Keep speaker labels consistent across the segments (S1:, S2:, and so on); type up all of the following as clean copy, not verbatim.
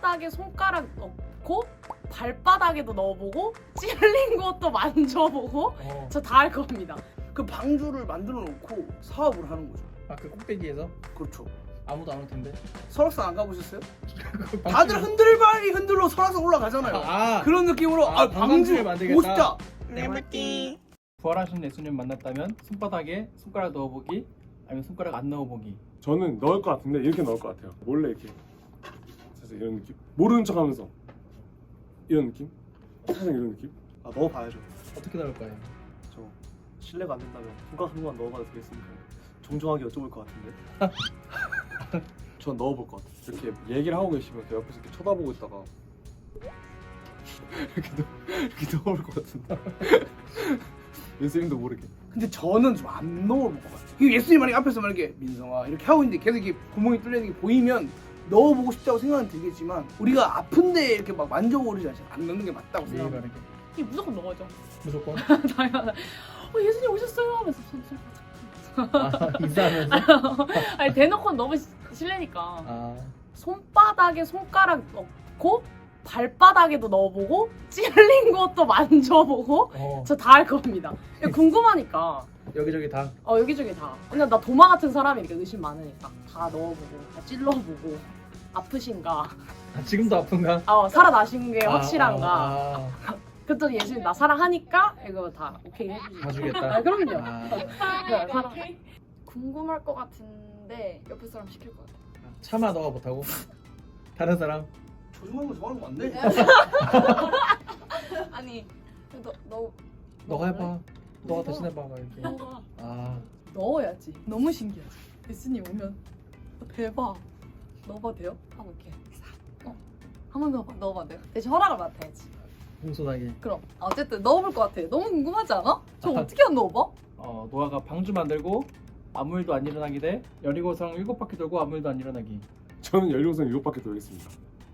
S1: 손바닥에 손가락 넣고 발바닥에도 넣어보고 찔린 것도 만져보고 저 다 할 겁니다.
S2: 그 방주를 만들어 놓고 사업을 하는 거죠.
S3: 아, 그 꼭대기에서?
S2: 그렇죠.
S3: 아무도 안 올 텐데.
S2: 설악산 안 가보셨어요? 다들 흔들발이 흔들러 설악산 올라가잖아요. 그런 느낌으로 방주 보고 싶다.
S3: 네모띠. 부활하신 예수님 만났다면 손바닥에 손가락 넣어보기 아니면 손가락 안 넣어보기.
S4: 저는 넣을 것 같은데 이렇게 넣을 것 같아요. 몰래 이렇게 살짝 이런 느낌. 모르는 척하면서 이런 느낌. 살짝 이런 느낌.
S5: 아, 넣어봐야죠.
S3: 어떻게 넣을 거예요?
S5: 저 실례가 안 된다면 손가락 한 번만 넣어봐도 되겠습니까? 정중하게 여쭤볼 것 같은데.
S4: 전 넣어볼 것 같아요. 이렇게 얘기를 하고 계시면 저 옆에서 이렇게 쳐다보고 있다가 이렇게 넣어볼 것 같은데. 예수님도 모르게.
S2: 근데 저는 좀 안 넣어볼 것 같아요. 예수님 만약에 앞에서 만약에 민성아 이렇게 하고 있는데 계속 이렇게 구멍이 뚫려 있는 게 보이면 넣어보고 싶다고 생각은 들겠지만 우리가 아픈데 이렇게 막 만져보고 그러지 않잖아요. 안 넣는 게 맞다고
S3: 예의
S2: 생각합니다.
S3: 바르게.
S1: 이 무조건 넣어야죠.
S3: 무조건.
S1: 당연하다. 예수님 오셨어요 하면서
S3: 인사하면서.
S1: 아니 대놓고는 너무 실례니까.
S3: 아,
S1: 손바닥에 손가락 넣고 발바닥에도 넣어보고 찔린 것도 만져보고 저 다 할 겁니다. 궁금하니까.
S3: 여기저기 다.
S1: 여기저기 다. 그냥 나 도마 같은 사람이니까 의심 많으니까 다 넣어보고 다 찔러보고 아프신가?
S3: 지금도 아픈가?
S1: 살아나신 게 확실한가? 그랬더니 예수님 나 사랑하니까 이거 다 오케이 해주시죠.
S3: 봐주겠다.
S1: 그럼요.
S6: 궁금할 것 같은데 옆에 사람 시킬 것 같아.
S3: 차마 너가 못하고? 다른 사람?
S2: 조종하는 거 좋아하는 거 안 돼?
S6: 아니
S3: 너가 해봐. 너가 대신 해봐. 막 이렇게.
S1: 너가
S6: 넣어야지. 너무 신기하지. 예수님 오면 대박. 넣어봐도 돼요? 하고 이렇게 한번 넣어봐도 돼요? 대신 허락을 맡아야지.
S3: 공손하게.
S6: 그럼 어쨌든 넣어볼 것 같아. 너무 궁금하지 않아? 저 어떻게 안 넣어봐?
S3: 노아가 방주 만들고 아무 일도 안 일어나기 대 여리고성 7바퀴 돌고 아무 일도 안 일어나기.
S4: 저는 연료선 7바퀴 돌겠습니다.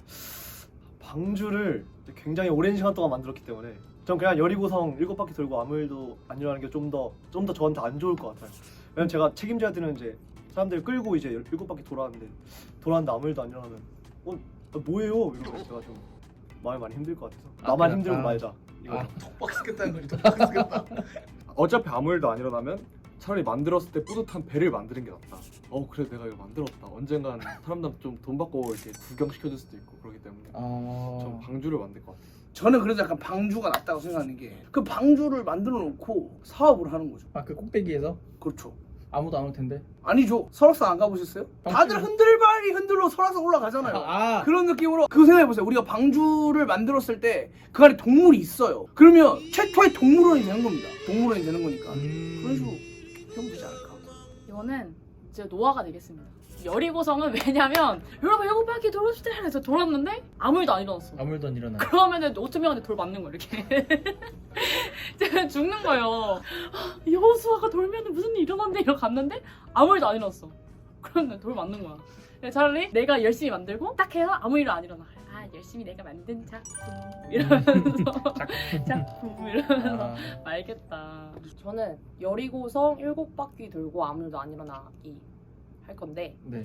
S5: 방주를 굉장히 오랜 시간 동안 만들었기 때문에 전 그냥 여리고성 7바퀴 돌고 아무 일도 안 일어나는 게 좀 더 저한테 안 좋을 것 같아요. 왜냐면 제가 책임져야 되는 이제 사람들 끌고 이제 7바퀴 돌았는데 아무 일도 안 일어나면 뭐예요? 이러면 제가 좀 마음이 많이 힘들 것 같아서 나만 힘들고 말자. 이거
S3: 턱박스겠다는 거지. 턱박스겠다.
S4: 어차피 아무 일도 안 일어나면 차라리 만들었을 때 뿌듯한 배를 만드는 게 낫다. 그래 내가 이거 만들었다. 언젠간 사람들 좀 돈 받고 이렇게 구경시켜줄 수도 있고 그렇기 때문에 전 방주를 만들 것 같아요.
S2: 저는 그래도 약간 방주가 낫다고 생각하는 게 그 방주를 만들어 놓고 사업을 하는 거죠.
S3: 그 꼭대기에서?
S2: 그렇죠.
S3: 아무도 안 올 텐데.
S2: 아니죠. 설악산 안 가보셨어요? 다들 흔들발이 흔들러 설악산 올라가잖아요. 그런 느낌으로 그거 생각해보세요. 우리가 방주를 만들었을 때 그 안에 동물이 있어요. 그러면 최초의 동물원이 되는 겁니다. 동물원이 되는 거니까. 그런 식으로 하면 되지 않을까.
S1: 이거는 이제 노아가 되겠습니다. 여리고성은 왜냐면 여러분 7바퀴 돌읍시다 해서 돌았는데 아무 일도 안 일어났어.
S3: 아무 일도 안 일어나.
S1: 그러면은 5,000명한테 돌 맞는 거야 이렇게. 제가 죽는 거예요. 여호수아가 돌면은 무슨 일 일어났네 이러고 갔는데 아무 일도 안 일어났어. 그러면 돌 맞는 거야. 차라리 내가 열심히 만들고 딱 해서 아무 일도 안 일어나. 열심히 내가 만든 작품 이러면서 작품 이러면서 알겠다. 저는 여리고성 7바퀴 돌고 아무 일도 안 일어나기 할 건데
S3: 네.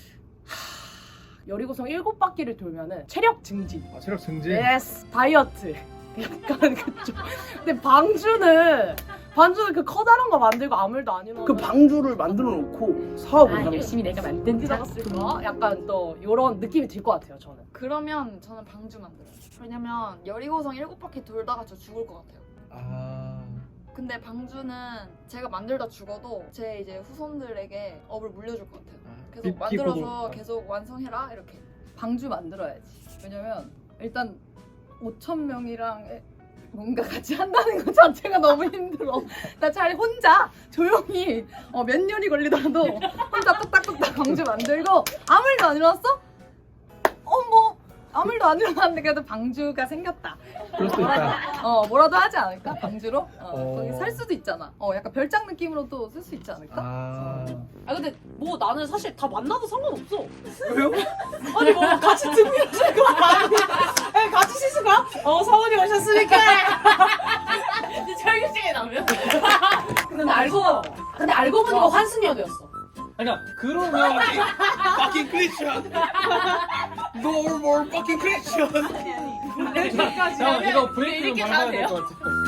S1: 여리고성 7바퀴를 돌면은 체력 증진.
S3: 체력 증진?
S1: 예스 다이어트. 약간 그쪽. 근데 방주는 그 커다란 거 만들고 아무 일도 안 일어나.
S2: 그 방주를 만들어 놓고 사업을 하는
S1: 열심히 내가 만든 작품. 약간 또 이런 느낌이 들 것 같아요 저는.
S6: 그러면 저는 방주 만들어요. 왜냐면 여리고성 7바퀴 돌다가 저 죽을 것 같아요. 근데 방주는 제가 만들다 죽어도 제 이제 후손들에게 업을 물려줄 것 같아요. 계속 만들어서 계속 완성해라 이렇게.
S7: 방주 만들어야지. 왜냐면 일단 5,000명이랑 뭔가 같이 한다는 것 자체가 너무 힘들어. 나 차라리 혼자 조용히 몇 년이 걸리더라도 혼자 뚝딱뚝딱 방주 만들고 아무 일도 안 일어났어? 뭐 아무 일도 안 일어났는데 그래도 방주가 생겼다.
S3: 그럴 수도 있다.
S7: 뭐라도 하지 않을까? 방주로? 거기 살 수도 있잖아. 약간 별장 느낌으로도 쓸 수 있지 않을까?
S1: 근데 뭐 나는 사실 다 만나도 상관없어.
S2: 왜요?
S1: 아니 뭐 같이 듣고 계실 거 아니 같이 쉬실 거야? 사원이 오셨으니까. 이제 철규식에 나면. 근데 알고 보니까 환승연애였어.
S3: 그러니까 그러면 바퀴 끄이죠.
S2: No more fucking Christian.
S1: 여기까지
S3: 형 이거
S1: 하면
S3: 브레이크 좀
S1: 이렇게
S3: 밟아야
S1: 가도
S3: 될
S1: 돼요?
S3: 것 같아.